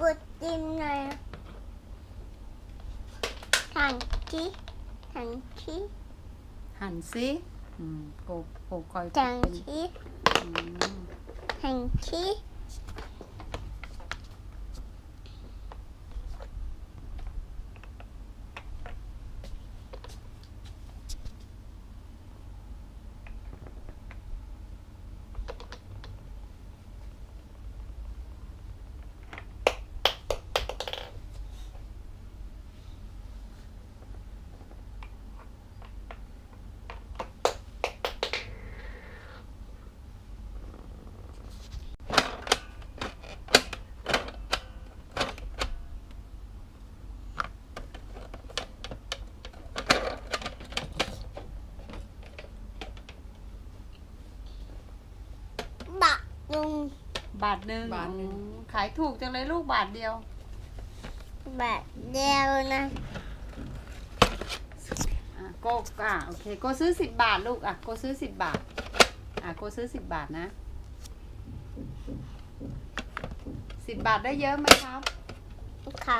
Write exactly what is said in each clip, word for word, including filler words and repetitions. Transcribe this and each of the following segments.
ดจิ้มหน่อยหั่นชีหั่นชีหั่นซิอืมโกโกคอยหั่นเป็นชีอืมหั่นชี บะลุงบาทหนึ่งบาทหนึ่งอืมขายถูกจังเลยลูกบาทเดียวแบบเดียวนะอ่ะโกอ่ะโอเคโกซื้อสิบบาทลูกอ่ะโกซื้อสิบบาทอ่ะโกซื้อสิบบาทนะสิบบาทได้เยอะไหมครับครับ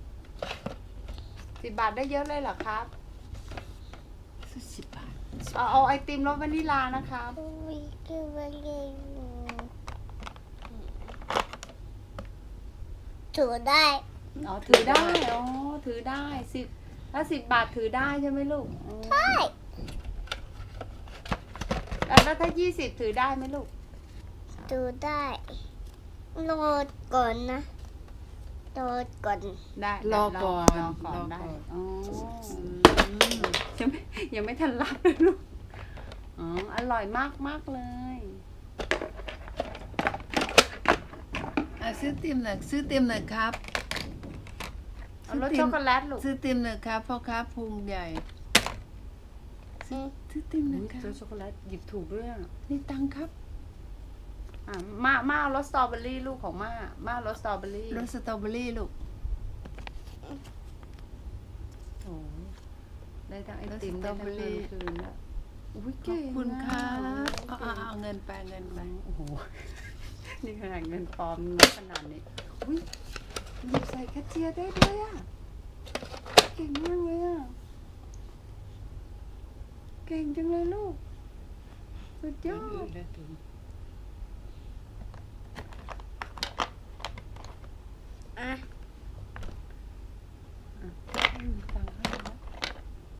สิบบาทได้เยอะเลยเหรอครับซื้อสิบบาทเอาเอาไอติมรสวานิลานะครับวิกิวเลยถูได้อ๋อถือได้อ๋อถือได้สิบถ้าสิบบาทถือได้ใช่ไหมลูกอืมใช่แล้วถ้ายี่สิบถือได้ไหมลูกถูได้โหลดก่อนนะโหลดก่อนได้รอก่อนรอก่อนรอได้ก่อนอ๋ออืมยังไม่ยังไม่ทันรับเลยลูกอ๋ออร่อยมากมากเลยอ่ะซื้อติมหน่อยซื้อติมหน่อยครับเอารสช็อกโกแลตลูกซื้อติมหน่อยครับพ่อค้าพุงใหญ่ซื้อซื้อติมหน่อยครัรบสช็อกโกแลตหยิบถูกด้วยอ่ะนี่ตังค์ครับอ่ะมามาเอารสสตรอเบอรี่ลูกของมามาเอารสสตรอเบอรี่รสสตรอเบอรี่ลูกโอ้ยได้ทั้งไอติมได้ทั้งเงินคืนแล้วอุ้ยขอเก่บงคุณครัอะบเอาเอาเอาเงินไปเงินไปโอ้โห นี่ขนาดเงินปลอมเงินขนาดนี้อุ้ยหยิบใส่แคชเชียร์ได้ด้วยอ่ะ เก่งมากเลยอ่ะ เก่งจังเลยลูก สุดยอด